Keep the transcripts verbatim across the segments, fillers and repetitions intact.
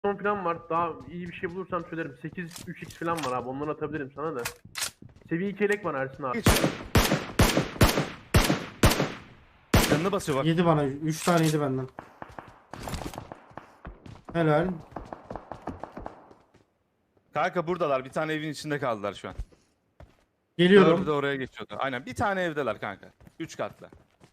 Son plan var. Daha iyi bir şey bulursam söylerim. sekiz üç x falan var abi. Onları atabilirim sana da. Seviye iki elek var Ersin abi. Geç. Canına basıyor bak. Yedi bana. Üç tane yedi benden. Helal. Kanka buradalar. Bir tane evin içinde kaldılar şu an. Geliyorum. Dördü de oraya geçiyordu. Aynen bir tane evdeler kanka. Üç katlı.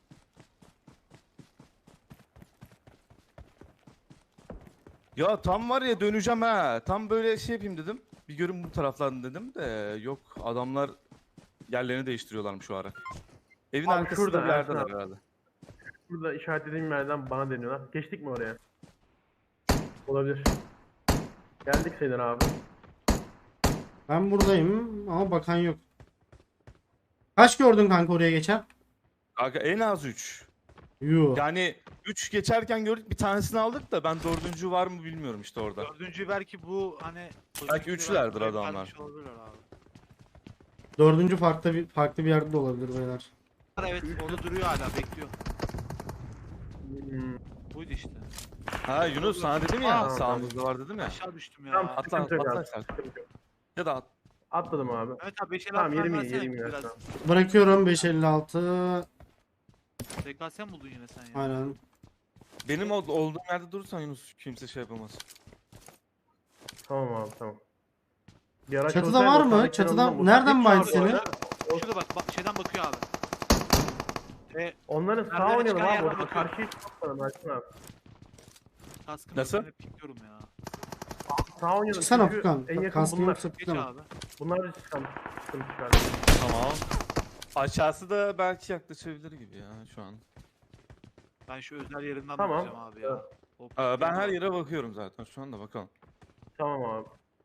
Ya tam var ya döneceğim ha. Tam böyle şey yapayım dedim. Bir görün bu taraflardan dedim de yok adamlar yerlerini değiştiriyorlarmış şu ara. Evin Abi arkasında şurada, bir yerdeler Ersin abi. herhalde. Burada işaretlediğim yerden bana deniyorlar. Geçtik mi oraya? Olabilir. Geldik sayılır abi. Ben buradayım ama bakan yok. Kaç gördün kanka oraya geçen? Kanka en az üç. Yuh. Yani üç geçerken gördük bir tanesini aldık da ben dördüncü var mı bilmiyorum işte orada. Dördüncü belki bu hani... Belki üçlerdir belki adamlar. vermiş olabilirler abi. Dördüncü farklı bir farklı bir yerde de olabilir beyler. Evet orada duruyor hala bekliyor. Hmm. Buydu işte. Ha Yunus sana dedim ya Aa, sağımızda var dedim ya. Aşağı düştüm ya. Tamam, Atla sıkıntı yok atla abi. sen. Sıkıntı yok. Ya da at. Atladım abi. Evet abi beş elli Tamam altı yerim iyi versene yerim iyi. biraz. Ersin abi. Bırakıyorum beş elli altı. T K S mi buldun yine sen ya? Aynen. Benim ol- olduğum yerde durursan Yunus kimse şey yapamaz. Tamam abi tamam. Bir araç Çatıda olsaydı var o mı? sağdaki Çatıdan- yanından nereden vursak- baydı Hiç seni? abi, Şurada bak, bak şeyden bakıyor abi. E, Onların sağ Merdivene oynayalım çıkan abi yerden orada. bakıyorum. Karşıya çıkmadan Ersin abi. kaskını Nasıl? üstüne pikliyorum ya. Sağ oynayalım. Çıksana çünkü Furkan. En yakın Kaskın bunlar. yoksa Geç pikleme. abi. Bunlar bir sıkıntı. Sıkıntı çıkardı. Tamam. Aşağısı da belki yaklaşabilir gibi ya şu an. Ben şu özel yerinden Tamam. bakacağım abi ya. O Aa, ben her yere bakıyorum zaten şu anda bakalım. Tamam abi.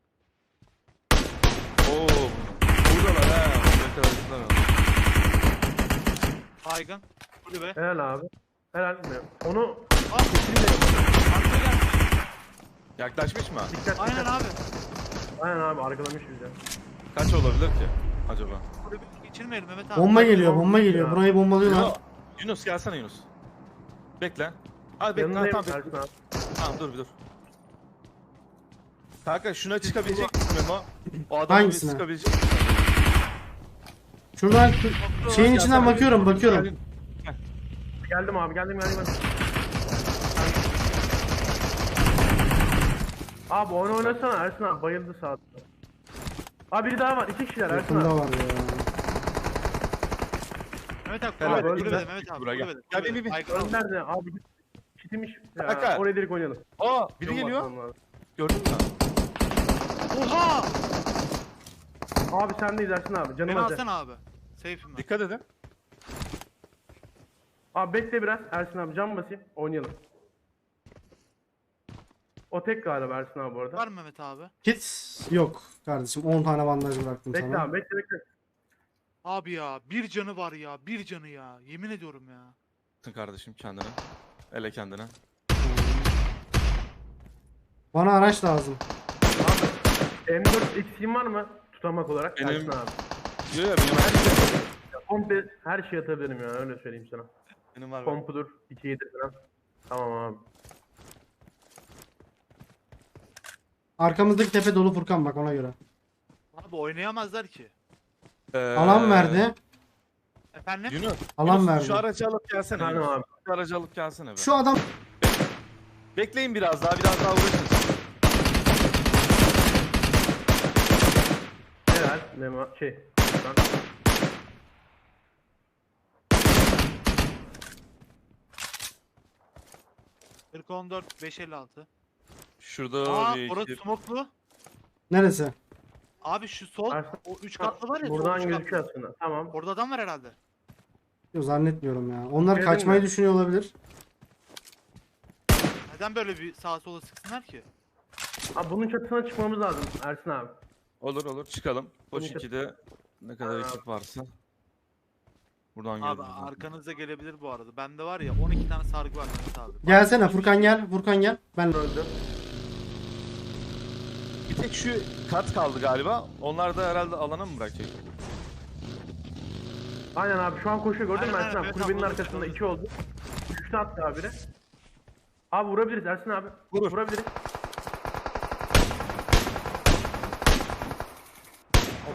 Oo. Buradalar ha. Buraya kadar gittiler. Baygın. Kulübe. Helal abi. Helal mi? Onu Aa! Arka gelmiş. Yaklaşmış mı? dikkat Aynen dikkat. abi. Aynen abi arkalamış bize. Kaç olabilir ki acaba? Kulübe geçirmeyelim Mehmet abi. Bomba geliyor, bomba Ya. geliyor. Burayı bombalıyorlar. Yunus, Yunus gelsene Yunus. Bekle. Hadi bekle. Ha, Yanındayım tamam, Ersin bekle. abi. Tamam dur bir dur. Kanka şuna çıkabilecek misin Memo? O adamı bir Hangisine? çıkabilecek misin? Şuradan şeyin içinden Gelsene. bakıyorum, bakıyorum. Geldim abi geldim geldim. geldim. Abi onu oynasana Ersin abi bayıldı sağda. Abi biri daha var iki kişiler Ersin Yakında abi. var ya. Mehmet abi Helal. kulübede, kulübede Öldü. Mehmet abi. Buraya gel. Kulübede. Gel, kulübede. bir, bir, bir. Baygın al. Nerede abi? Çitmiş. Ya, Kanka. oraya direkt oynayalım. Aa biri Yol geliyor. bakmam lazım. Gördün mü? Oha! Abi sendeyiz Ersin abi canım Beni acı. alsana abi. Safe'im ben. Dikkat edin. Abi bekle biraz Ersin abi cam basayım oynayalım. O tek galiba Ersin abi bu arada. Var mı Mehmet abi? Kit yok kardeşim. on tane bandaj bıraktım Bekle sana. abi bekle bekle. Abi ya bir canı var ya. Bir canı ya. Yemin ediyorum ya. Tın kardeşim kendine. Ele kendine. Bana araç lazım. M dört eksiğin var mı? Tutamak olarak Benim- Ersin abi. Yok ya benim her şey. Komple her şey atabilirim ya öyle söyleyeyim sana. Benim var. Kompudur, iki yedi falan. Tamam abi. Arkamızdaki tepe dolu Furkan bak ona göre. Abi oynayamazlar ki. Ee, Alan verdi. Efendim? Yunus. Alan Yunus, verdi. Şu aracı alıp gelsene. Efendim Yunus. abi. Şu aracı alıp gelsene be. Şu adam Bekleyin biraz daha biraz daha uğraşın. Helal. Memo şey. Lan. kırk on dört beş elli altı. Şurada Aa bir orası iki. smoklu. neresi? Abi şu sol Ersin, o üç katlı var ya. sol Buradan üç katlı. gözüküyor aslında. Tamam. Orada adam var herhalde. Yok zannetmiyorum ya. Onlar Gördün kaçmayı mü? düşünüyor olabilir. Neden böyle bir sağa sola sıksınlar ki? Abi bunun çatısına çıkmamız lazım Ersin abi. Olur olur çıkalım. Boş Bunu- ikide ne kadar Aa. ekip varsa. Buradan Abi görürüz. zaten. arkanıza gelebilir bu arada. Bende var ya on iki tane sargı var Mehmet abi. Gelsene Furkan gel. Furkan gel. Ben Öldü. Bir tek şu kat kaldı galiba. Onlar da herhalde alana mı bırakacak? Aynen abi şu an koşuyor gördün mü Aynen, Ersin abi? aynen, Kulübenin evet, arkasında anladım. iki oldu. Üçte attı abi biri. Abi vurabiliriz Ersin abi. Vurur. Vurabiliriz.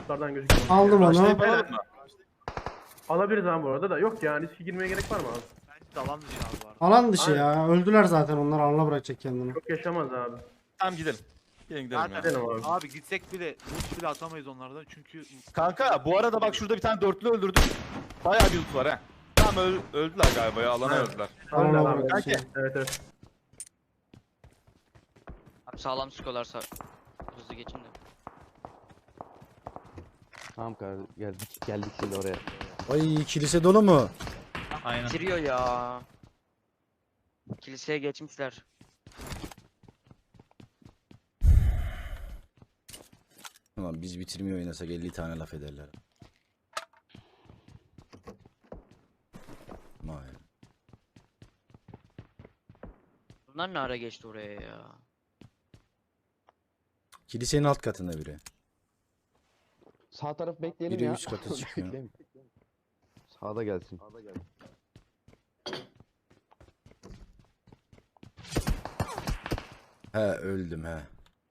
Lootlardan gözüküyor. Aldım onu. Başlayıp alalım mı? Alabiliriz abi bu arada da. Yok ya riske girmeye gerek var mı abi? Bence de alan dışı abi var. Alan dışı ya. Öldüler zaten onlar. Alana bırakacak kendini. Çok yaşamaz abi. Tamam gidelim. Gelin gidelim ya. Zaten Gidelim abi. abi gitsek bile loot bile atamayız onlardan çünkü Kanka bu arada bak şurada bir tane dörtlü öldürdüm. Bayağı bir loot var ha. Tamam öl- öldüler galiba ya alana Evet. öldüler. Öyle Alana abi. bırakacak. Kanki. Evet evet. Abi sağlam sıkıyorlarsa hızlı geçin de. Tamam kardeşim geldik geldik şimdi oraya. Ay kilise dolu mu? Aynen. Bitiriyor ya. Kiliseye geçmişler. Tamam biz bitirmiyor oynasak elli tane laf ederler. Vay. Bunlar ne ara geçti oraya ya? Kilisenin alt katında biri. Sağ taraf bekleyelim Biri ya. üst kata çıkıyor. Bekleyelim. Sağda gelsin. He öldüm he.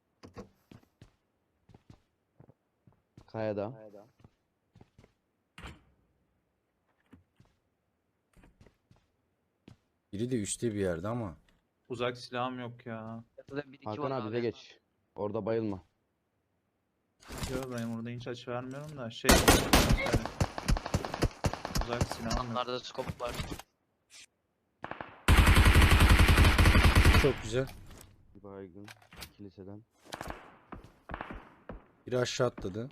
Kayada. Biri de üstte bir yerde ama. Uzak silahım yok ya. Yatıda bir iki Hakan var abi bize geç. Orada bayılma. Yok benim burada hiç açı vermiyorum da şey. Uzak silahım yok. Onlarda skop var. Çok güzel. Bir baygın. Kiliseden. Biri aşağı atladı.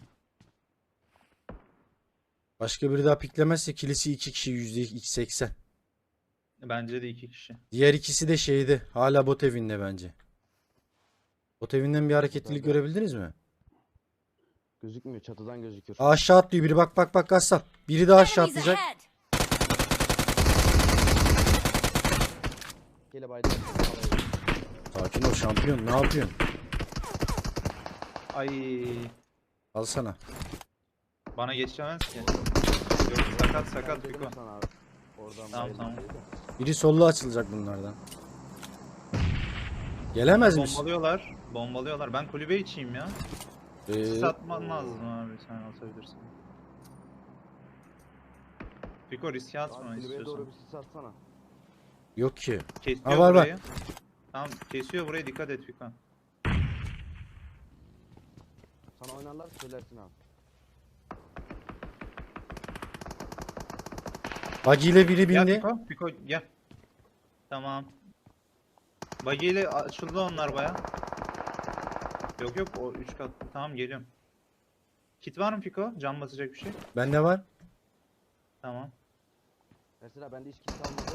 Başka biri daha piklemezse kilisi iki kişi yüzde seksen. Bence de iki kişi. Diğer ikisi de şeydi. Hala bot evinde bence. Bot evinden bir hareketlilik Tabii. görebildiniz mi? Gözükmüyor. Çatıdan gözüküyor. Aa, aşağı atlıyor biri. Bak bak bak Gassam. Biri daha aşağı Enemies atlayacak. ahead! Gele baydım. Sakin ol şampiyon. Ne yapıyorsun? Ay Alsana. bana geçemez ki. Yok sakat sakat Dedim Fiko. sana abi. Oradan Tamam, bayılma tamam. diye de. Biri sollu açılacak bunlardan. Gelemez misin? Bombalıyorlar. Bombalıyorlar. Ben kulübe içeyim ya. Sis Ee, atman lazım abi sen atabilirsin. Fiko riske atma Abi kulübeye istiyorsan. doğru bir sis atsana. yok ki. Kesiyor Ha, var, var. burayı. Tamam kesiyor burayı dikkat et Fiko. Sana oynarlar söylersin abi. Buggy ile biri Gel bindi. Fiko, Fiko gel. Tamam. Buggy ile açıldı onlar baya. Yok yok o üç kat. Tamam geliyorum. Kit var mı Fiko? Can basacak bir şey. Bende var. Tamam. Ersin abi bende hiç kilis almadı.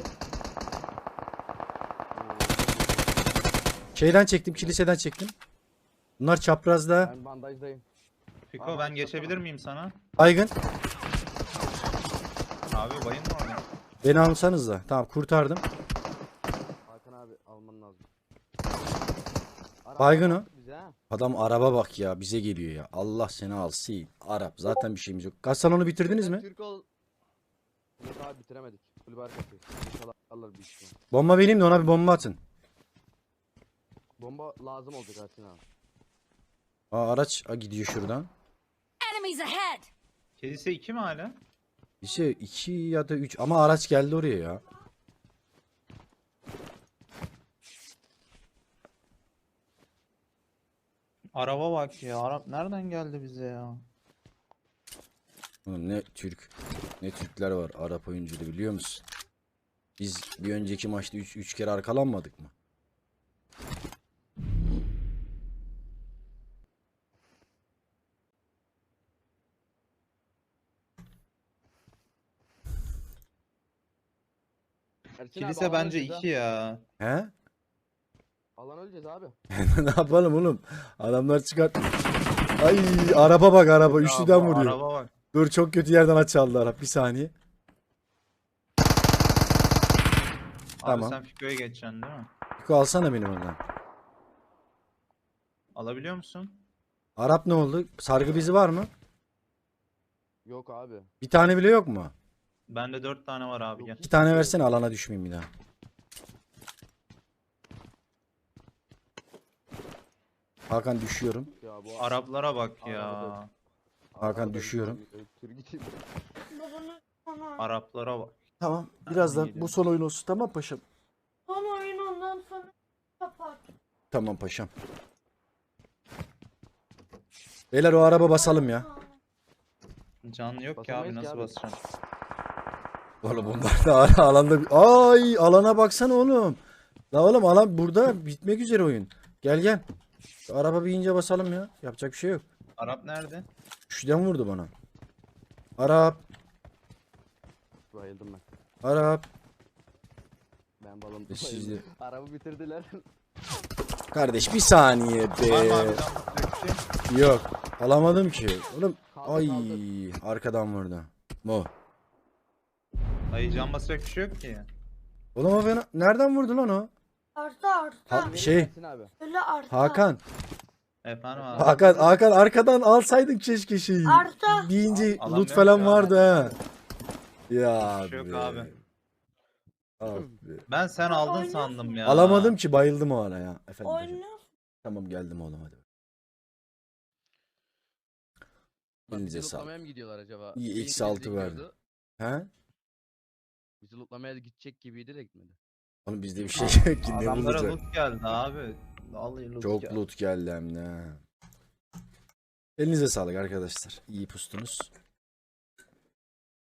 Şeyden çektim. Kiliseden çektim. Bunlar çaprazda. Ben bandajdayım. Fiko Abi, ben geçebilir miyim sana? Baygın. Abi bayın mı orada? Beni alsanız da. Tamam kurtardım. Hakan abi alman lazım. Araba Baygın o. attı bize ha. Adam araba bak ya. Bize geliyor ya. Allah seni alsın. Arap. Zaten bir şeyimiz yok. Kaç salonu bitirdiniz mi? Türk ol. Yok abi bitiremedik. Kulübe arkası. İnşallah alırlar bir işte. Bomba vereyim de ona bir bomba atın. Bomba lazım olacak Ersin abi. Aa, araç Aa, gidiyor şuradan. Enemies ahead! Kilise iki mi hala? İşte iki ya da üç ama araç geldi oraya ya. Araba bak ya. Arap nereden geldi bize ya? Oğlum ne Türk ne Türkler var Arap oyuncuda biliyor musun? Biz bir önceki maçta üç üç kere arkalanmadık mı? Ersin Kilise abi, alan bence öleceğiz iki ya. He? ha. Alan öleceğiz abi. Ne yapalım oğlum? Adamlar çıkart. Ay araba bak araba üçlüden Ya bu vuruyor. Araba bak. Dur çok kötü yerden açıldı Arap bir saniye. Abi Tamam. sen Fiko'ya geçeceksin değil mi? Fiko alsana benim ondan. Alabiliyor musun? Arap ne oldu? Sargı bezi var mı? Yok abi. Bir tane bile yok mu? Bende dört tane var abi gel. İki tane versene alana düşmeyeyim bir daha. Hakan düşüyorum. Ya bu Araplara bak Arabada ya. yok. Hakan Arada bir düşüyorum. saniye, Tür gideyim. Araplara bak. Tamam. birazdan bu son oyun olsun, tamam paşam. Son oyun ondan sonra kapat. Tamam paşam. Beyler o araba basalım ya. Can yok ki Basamayız abi ki nasıl abi. basacağım? Oğlum bunlar da ara- alanda... Ay alana baksana oğlum. La oğlum alan burada bitmek üzere oyun. Gel gel. Şu araba bir ince basalım ya. Yapacak bir şey yok. Arap nerede? Şuradan vurdu bana. Arap. Bayıldım ben. Arap. Ben balon E, siz de- Arabı bitirdiler. Kardeş bir saniye Var mı abi be. can basacak bir şey? Yok. Alamadım ki. Oğlum. Kaldı, Ay kaldı. arkadan vurdu. Mo. Dayı can basacak bir şey yok ki. Oğlum o beni nereden vurdu lan o? Arta arta. Ha, şey Verirsin abi. Öyle arta. Hakan. Efendim abi. Hakan Hakan arkadan alsaydın keşke şeyi. Arta. Deyince Al- loot alamıyorum falan ya. vardı ha. Ya Bir şey yok be. abi. Abi. Ben sen aldın Oynuyorsun. sandım ya. Alamadım ki bayıldım o ara ya. Efendim hocam. Oynuyor. Tamam geldim oğlum hadi. Bak, Elinize bizi sağlık. lootlamaya mı gidiyorlar acaba? İyi, Bir eksi İngiliz altı de verdi. gidiyordu. He? Bizi lootlamaya gidecek gibiydi de gitmedi. Oğlum bizde bir şey yok ki ne Adamlara bulacak? loot geldi abi. Vallahi loot Çok geldi. loot geldi hem de. ha. Elinize sağlık arkadaşlar. İyi pustunuz.